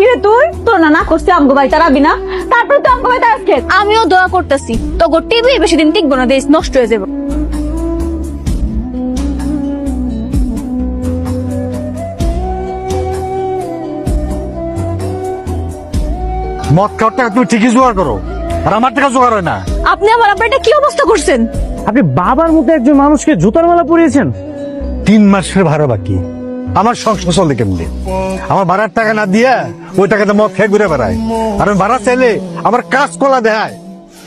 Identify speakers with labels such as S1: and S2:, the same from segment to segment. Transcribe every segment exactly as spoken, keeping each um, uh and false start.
S1: কিরে তুই তোর না না করছিস আমগো ভাই তারাবি না, তারপর তো আমগো ভাই তারাস খেত।
S2: আমিও দোয়া করতেছি তো গো টিভি বেশি দিন টিকবো না, দেশ নষ্ট হয়ে যাবে।
S3: মদ খাওয়ার টাকা তুমি ঠিকই জোগাড় করো, আর আমার টাকা জোগাড় হয় না।
S2: আপনি আমার আপনারটা কি অবস্থা করছেন?
S4: আপনি বাবার মতো একজন মানুষকে জুতার মালা পরিয়েছেন।
S3: তিন মাসের ভাড়া বাকি, আমার সংসার চলে কেমনি? আমার ভাড়ার টাকা না দিয়া ওই টাকাতে মদ খেয়ে ঘুরে বেড়ায়, আর আমি ভাড়া চাইলে আমার কাজ কলা দেয়।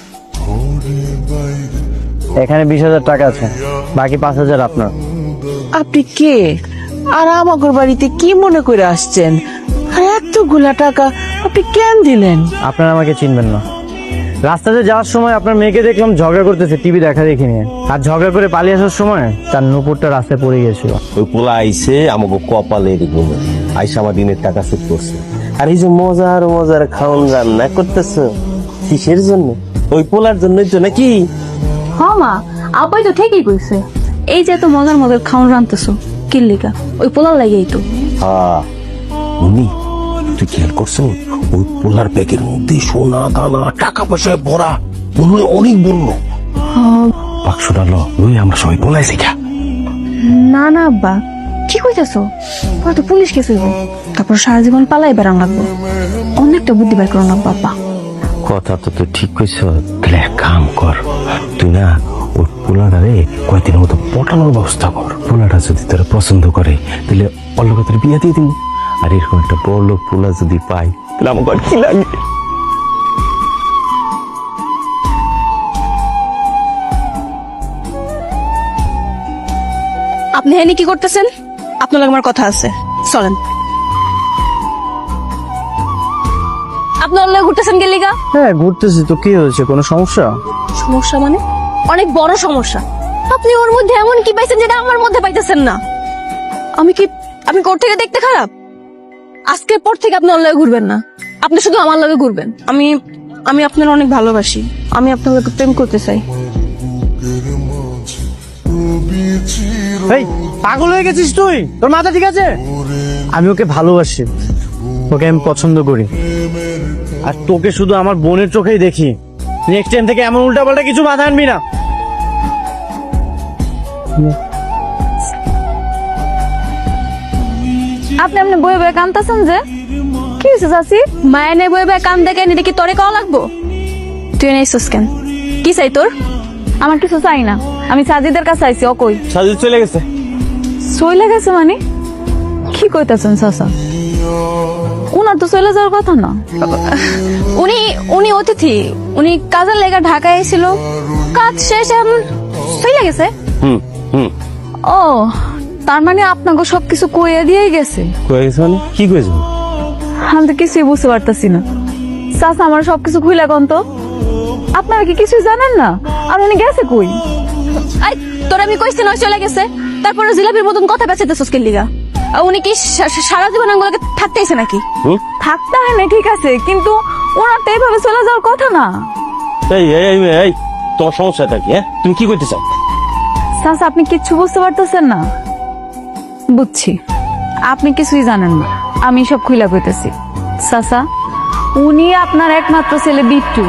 S4: এখানে বিশ হাজার টাকা আছে, বাকি পাঁচ হাজার আপনার।
S5: আপনি কে আর আমাগর বাড়িতে কি মনে করে আসছেন? আর এতগুলা টাকা আপনি কেন দিলেন?
S4: আপনারা আমাকে চিনবেন না। রাস্তাতে যাওয়ার সময় আপনার মেয়েকে দেখলাম ঝগড়া করতেছে টিভি দেখা দেখি নিয়ে, আর ঝগড়া করে পালিয়ে আসার সময় তার নুপুরটা রাস্তায় পড়ে গিয়েছিল।
S6: ওই পোলা আইসে আমাকে কপালের গুলো আইসা আমার দিনের টাকা শোধ করছে। আর এই যে মজার মজার খাওন রান্না করতেছে কিসের জন্য? ওই পোলার জন্যই তো নাকি?
S2: হ্যাঁ মা, আপাই তো ঠিকই কইছে। এই যে এত মজার মজার খাওন রান্তেছো কিল্লিকা, ওই পোলার লাগেই তো।
S6: হ্যাঁ উনি, তুই খেয়াল করছো ওই পোলার ব্যাগের মধ্যে সোনা দানা টাকা পয়সায় ভরা, মনে হয় অনেক বললো। বাক্সটা ল, ওই আমরা সবাই পোলাই শিখা।
S2: না না আব্বা, কি কইতেছো? পরে তো পুলিশ কেস হইব, তারপর সারা জীবন পালাই বেড়ান লাগবো। অনেকটা বুদ্ধি বের করো না বাবা।
S6: কথা তো তুই ঠিক কইছ। তাহলে এক কাম কর, তুই না ওই পোলাটারে কয়েকদিনের মতো পটানোর ব্যবস্থা কর। পোলাটা যদি তোর পছন্দ করে তাহলে অল্লকে তোর বিয়ে দিয়ে দিব। আর এরকম একটা বড় লোক পোলা যদি পাই তাহলে আমার আর কি লাগে?
S2: আপনি হেনি কি করতেছেন? আপনার লগে আমার কথা আছে, চলেন। আপনি ওর লগে ঘুরতেছেন গেলিগা?
S4: হ্যাঁ ঘুরতেছি তো, কি হয়েছে? কোনো সমস্যা?
S2: সমস্যা মানে? অনেক বড় সমস্যা। আপনি ওর মধ্যে এমন কি পাইছেন যেটা আমার মধ্যে পাইতেছেন না? আমি কি আমি কোর থেকে দেখতে খারাপ? আজকের পর থেকে আপনি ওর লগে ঘুরবেন না, আপনি শুধু আমার লগে ঘুরবেন। আমি আমি আপনার অনেক ভালোবাসি, আমি আপনার লগে প্রেম করতে চাই।
S4: এই পাগল হয়ে গেছিস তুই? তোর মাথা ঠিক আছে? আমি ওকে ভালোবাসি, ওকে আমি পছন্দ করি, আর তোকে শুধু আমার বোনের চোখেই দেখি। নেক্সট টাইম থেকে এমন উল্টাপাল্টা কিছু বাধা আনবি না।
S2: আপনি আপনি বয়ে বয়ে কান্দাছেন যে? কি হয়েছে চাচি? মায়ের নেই বয়ে বয়ে কান দেখেন, এটা কি তোরে কওয়া লাগবো? তুই নেইছস কেন? কি চাই তোর?
S1: আমার কিছু চাই না, আমি সাজিদের কাছে আইছি। ও কই?
S4: সাজিদ চলে গেছে।
S1: চলে গেছে মানে? কি কইতাছেন চাচা? ওনার তো চলে যাওয়ার কথা না।
S2: উনি উনি অতিথি, উনি কাজের লেগে ঢাকায় এসেছিল, কাজ শেষ এখন চলে গেছে।
S6: হুম হুম
S1: ও, তার মানে আপনাকে সবকিছু কইয়া দিয়ে গেছে?
S6: কয়ে গেছে মানে? কি কয়েছে?
S1: আমি তো কিছুই বুঝতে পারতাছি না। চাচা আমার সবকিছু খুইলা কোন তো, আপনারা কি কিছুই জানেন না? আর উনি গেছে কই?
S2: আই তোর আমি কইছি নয় চলে গেছে, তারপরে জিলাপির মতন কথা বেঁচেতেছস কে লিগা? আর উনি কি সা- সা- সারা জীবন আঙ্গুলাকে থাকতেইছে নাকি?
S1: থাকতে হয় না ঠিক আছে, কিন্তু ওনার তো এইভাবে চলে যাওয়ার কথা না।
S6: এই এই এই, এই তোমার সমস্যাটা কি? হ্যাঁ তুমি কি করতে চাও?
S1: চাচা আপনি কিচ্ছু বুঝতে পারতেছেন না? বুঝছি, আপনি কিছুই জানেন না, আমি সব খুইলা কইতেছি। চাচা, উনি আপনার একমাত্র ছেলে বিট্টু।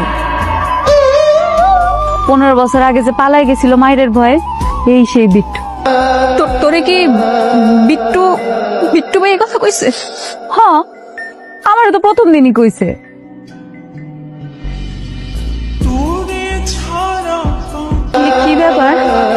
S1: পনেরো বছর আগে যে পালাই গেছিল মায়ের ভয়ে, এই সেই বিট্টু।
S2: তো- তোরে কি বিট্টু বিট্টু ভাই এই কথা কইছে?
S1: হ, আমার তো প্রথম দিনই কইছে।
S2: কি- কি ব্যাপার?